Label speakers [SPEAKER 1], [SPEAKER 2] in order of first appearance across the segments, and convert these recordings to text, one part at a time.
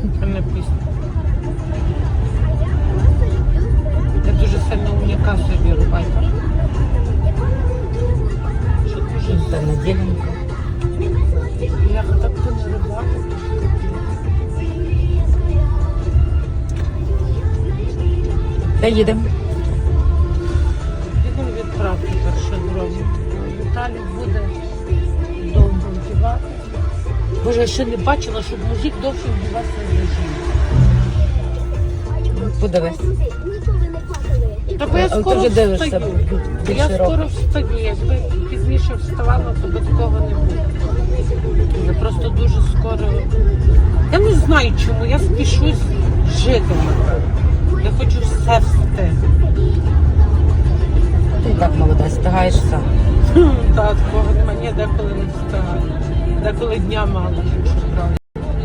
[SPEAKER 1] Це не пісня. Я дуже сильно уніка собі рубаю. Що дуже
[SPEAKER 2] Це неділенька.
[SPEAKER 1] я так то не рубати.
[SPEAKER 2] Де їдемо?
[SPEAKER 1] Підемо відправки перше зробимо. Віталій буде довго вдівати. Боже, я ще не бачила, щоб мужик довше вдівався за жінку.
[SPEAKER 2] Подивись.
[SPEAKER 1] Та бо я
[SPEAKER 2] А ти
[SPEAKER 1] скоро
[SPEAKER 2] вже дивишся
[SPEAKER 1] встаю.
[SPEAKER 2] більше
[SPEAKER 1] Я
[SPEAKER 2] року.
[SPEAKER 1] скоро встаю. Якби пізніше вставала, то без того не буде. Я просто дуже скоро. Я не знаю чому, я спішусь жити. Я хочу все встигти.
[SPEAKER 2] Ти і так молода, встигаєш сам.
[SPEAKER 1] Та такого немає, ні, деколи не встигаю. Деколи дня мало, якщо справді.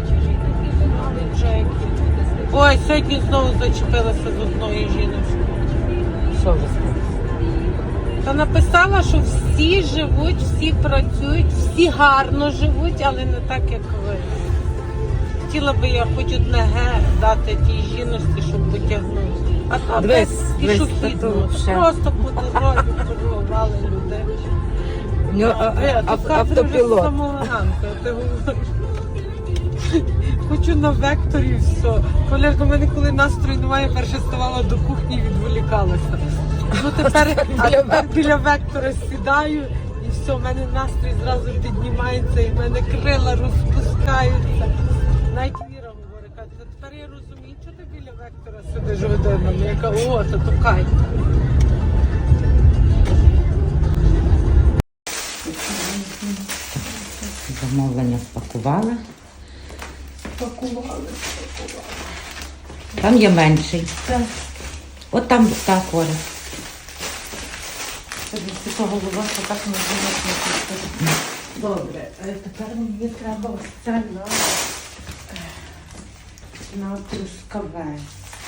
[SPEAKER 1] Ой, сьогодні знову зачепилася з одної жіночки.
[SPEAKER 2] Що ви скажете?
[SPEAKER 1] Та написала, що всі живуть, всі працюють, всі гарно живуть, але не так, як ви. Хотіла би я хоч одне ге дати тій жіночці, щоб потягнути. А то
[SPEAKER 2] Дивись,
[SPEAKER 1] пішохідно.
[SPEAKER 2] ще.
[SPEAKER 1] Просто по дорозі пробували людей.
[SPEAKER 2] У нього автопілот.
[SPEAKER 1] З самого ранку, ти говориш. Хочу на векторі і все. Колярка, в мене коли настрою немає, перше ставала до кухні і відволікалася. Ну тепер біля вектора сідаю і все, в мене настрій зразу піднімається і в мене крила розпускаються. Навіть Віра говорить, каже, тепер я розумію, що ти біля вектора сидиш годинами. Я кажу, о, то кайф.
[SPEAKER 2] Замовлення спакували.
[SPEAKER 1] Спакували.
[SPEAKER 2] Там є менший.
[SPEAKER 1] Так.
[SPEAKER 2] От там та Коля.
[SPEAKER 1] Тобі цього голова, що так не було. Добре, тепер мені треба ось це на трускавець.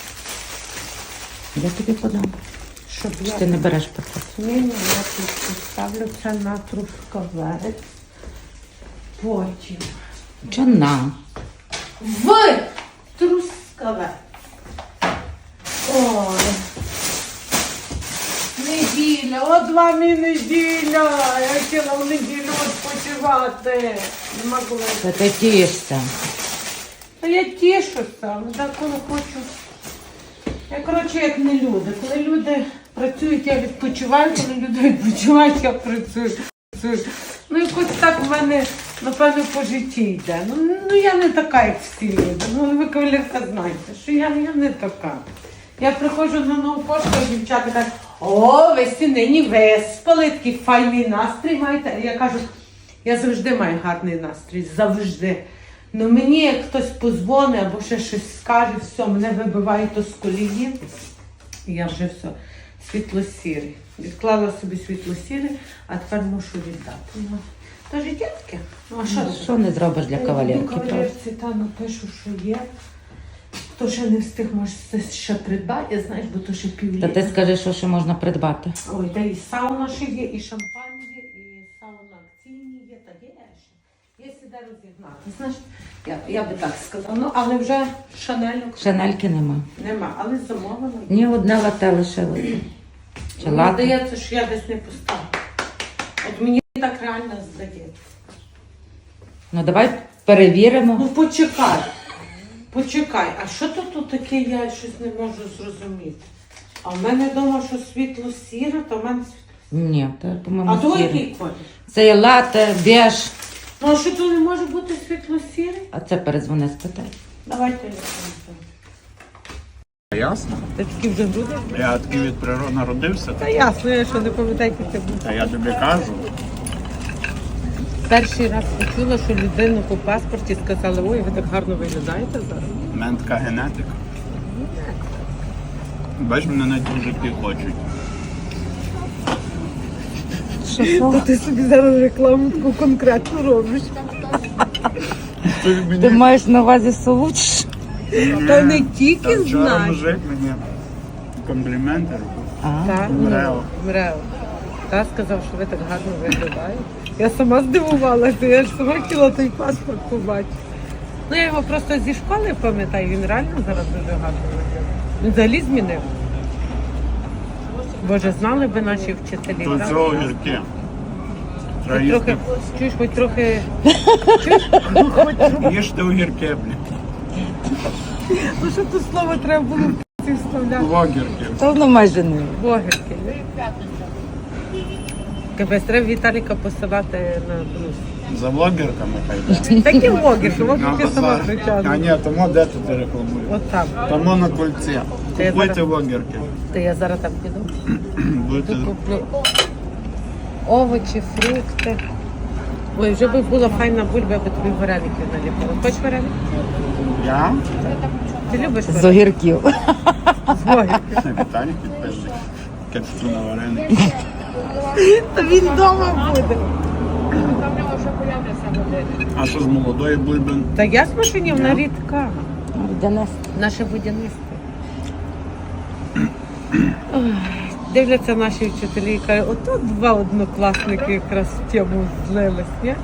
[SPEAKER 2] Я тобі подам.
[SPEAKER 1] Щоб
[SPEAKER 2] Чи ти не береш пакет?
[SPEAKER 1] Ні, я тут поставлю це на трускавець. Потім
[SPEAKER 2] Чи на?
[SPEAKER 1] в трускавець. Ой. Неділя, от вам і неділя. Я хотіла в неділю відпочивати. Нема коли.
[SPEAKER 2] Та ти тішся.
[SPEAKER 1] Та я тішуся, але деколи хочу. Я, коротше, як не люди. Коли люди працюють, я відпочиваю, коли люди відпочивають, я працюю. Ну, якось так в мене, напевно, по житті йде. Ну я не така, як всі люди. Ну, ви, кавалерка, знаєте, що я не така. Я приходжу на нову пошту, а дівчата кажуть, о, ви всі нині виспали, такий файний настрій маєте. Я кажу, я завжди маю гарний настрій, завжди. Ну мені, як хтось позвонить або ще щось скаже, все, мене вибиває то з колії. І я вже все, світло-сірий. Відклала собі світло-сірий, а тепер мушу віддати. Ну, то життя таке. Ну, а
[SPEAKER 2] Що не зробиш для кавалерки?
[SPEAKER 1] Кавалерці та напишу, що є. Хто ще не встиг, може це ще придбати, знаєш, бо то ще
[SPEAKER 2] Та
[SPEAKER 1] півліта.
[SPEAKER 2] ти скажи, що ще можна придбати.
[SPEAKER 1] Ой, та і сауна ще є, і шампань є, і сауна акційні є, та є ще. Є сюди розігнати. Знаєш, я би так сказала. Ну, але вже шанельок
[SPEAKER 2] Шанельки нема.
[SPEAKER 1] нема, але замовлено.
[SPEAKER 2] Ні одне лате лишилося. Чи
[SPEAKER 1] Мені
[SPEAKER 2] лате?
[SPEAKER 1] здається, що я десь не поставила. От мені так реально здається.
[SPEAKER 2] Ну давай перевіримо.
[SPEAKER 1] Ну почекай, а що тут таке, я щось не можу зрозуміти. А в мене вдома, що світло сіре, то в мене світло.
[SPEAKER 2] Ні, то,
[SPEAKER 1] А
[SPEAKER 2] по-моєму,
[SPEAKER 1] то
[SPEAKER 2] сіре.
[SPEAKER 1] який колір?
[SPEAKER 2] Це є лате, беж.
[SPEAKER 1] Ну а що то не може бути світло сірий?
[SPEAKER 2] А це передзвони, спитай.
[SPEAKER 1] Давайте я
[SPEAKER 3] Ясно?
[SPEAKER 1] Ти такі вже груди?
[SPEAKER 3] Я такий від природи народився,
[SPEAKER 1] Та ясно, я що не пам'ятаю, як це було.
[SPEAKER 3] та я тобі кажу.
[SPEAKER 1] Перший раз почула, що людину по паспорті сказали, ой, ви так гарно виглядаєте зараз.
[SPEAKER 3] У мене така генетика. Бач, мене навіть мужики хочуть.
[SPEAKER 1] Що? Ти собі зараз рекламу таку конкретну робиш.
[SPEAKER 2] Ти маєш на увазі Солуч?
[SPEAKER 1] Та не тільки
[SPEAKER 3] Та вчора
[SPEAKER 1] знай.
[SPEAKER 3] мужик мені компліменти робив.
[SPEAKER 1] Так,
[SPEAKER 3] Мрео.
[SPEAKER 1] Мрео. Та сказав, що ви так гарно виглядаєте. Я сама здивувалася, я ж сама хотіла той паспорт побачити. Ну я його просто зі школи пам'ятаю, він реально зараз дуже гарно виглядає. Він взагалі змінив. Боже, знали би наші вчителі.
[SPEAKER 3] Тут
[SPEAKER 1] правда?
[SPEAKER 3] все огірки. Треба
[SPEAKER 1] Хоч трохи,
[SPEAKER 3] їсти.
[SPEAKER 1] чуєш, хоч трохи.
[SPEAKER 3] Їжте огірки, блін.
[SPEAKER 1] Ну що тут слово треба було ці вставляти?
[SPEAKER 3] Огірки.
[SPEAKER 2] Та воно майже не.
[SPEAKER 1] Огірки. Капець, треба Віталіка посилати на брус.
[SPEAKER 3] За блогерками хай йде.
[SPEAKER 1] Такі огірки, огірки сама
[SPEAKER 3] А
[SPEAKER 1] причасна.
[SPEAKER 3] ні, тому де тут рекламують?
[SPEAKER 1] От там.
[SPEAKER 3] Тому на кольці.
[SPEAKER 1] Та я
[SPEAKER 3] Купуйте
[SPEAKER 1] зараз-
[SPEAKER 3] огірки.
[SPEAKER 1] То я зараз там піду.
[SPEAKER 3] Будете...
[SPEAKER 1] Куплю овочі, фрукти. Ой, вже би була файна бульба, я би тобі вареників наліпила. Хочеш вареники?
[SPEAKER 3] Я?
[SPEAKER 1] Ти любиш
[SPEAKER 2] З
[SPEAKER 1] вареники?
[SPEAKER 2] огірків.
[SPEAKER 1] З огірків.
[SPEAKER 3] Віталій підписник. Кепсу на вареники.
[SPEAKER 1] Та він вдома буде.
[SPEAKER 3] А що з молодої бульби?
[SPEAKER 1] Та я з машині, вона рідка.
[SPEAKER 2] Буде нести.
[SPEAKER 1] Наше будівництво. Ой, дивляться наші вчителі і кажуть, ото два однокласники якраз в тему злились, ні?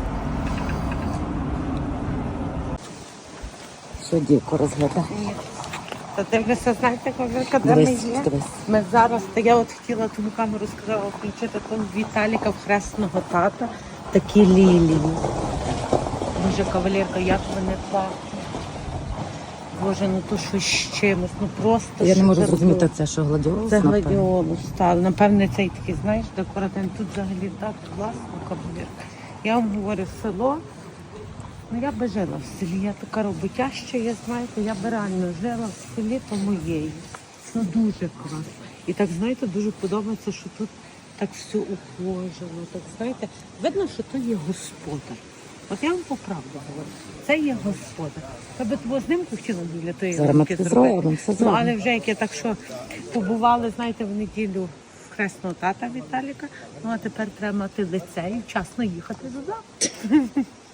[SPEAKER 2] Що дівку розглядає?
[SPEAKER 1] Та дивлюся, знаєте, Ковірка, де ми
[SPEAKER 2] Дивись,
[SPEAKER 1] є?
[SPEAKER 2] дивись.
[SPEAKER 1] Ми зараз, та я от хотіла ту камеру сказала включити там Віталіка в хресного тата. Такі лілії. Боже, кавалерка, як вони пахнуть. Боже, ну то що з чимось, ну просто
[SPEAKER 2] Я не можу
[SPEAKER 1] шикарно.
[SPEAKER 2] зрозуміти, це що гладіолус?
[SPEAKER 1] Це
[SPEAKER 2] напевно?
[SPEAKER 1] гладіолус, так. Напевне, цей такий, знаєш, декоративний. Тут взагалі так класно, кавалерка. Я вам говорю, село. Ну я би жила в селі, я така роботяща, я знаєте, я би реально жила в селі по-моєї. Ну дуже класно. І так, знаєте, дуже подобається, що тут так все ухожено, так, знаєте, видно, що то є господар. От я вам по правду говорю, це є господар. Я би твого знімку хотіла біля тої
[SPEAKER 2] Зараз ми
[SPEAKER 1] руки
[SPEAKER 2] це
[SPEAKER 1] зробити.
[SPEAKER 2] зробимо, все
[SPEAKER 1] Ну,
[SPEAKER 2] зробимо.
[SPEAKER 1] але вже як я так що побували, знаєте, в неділю в хресного тата Віталіка, ну а тепер треба мати лице і вчасно їхати додому.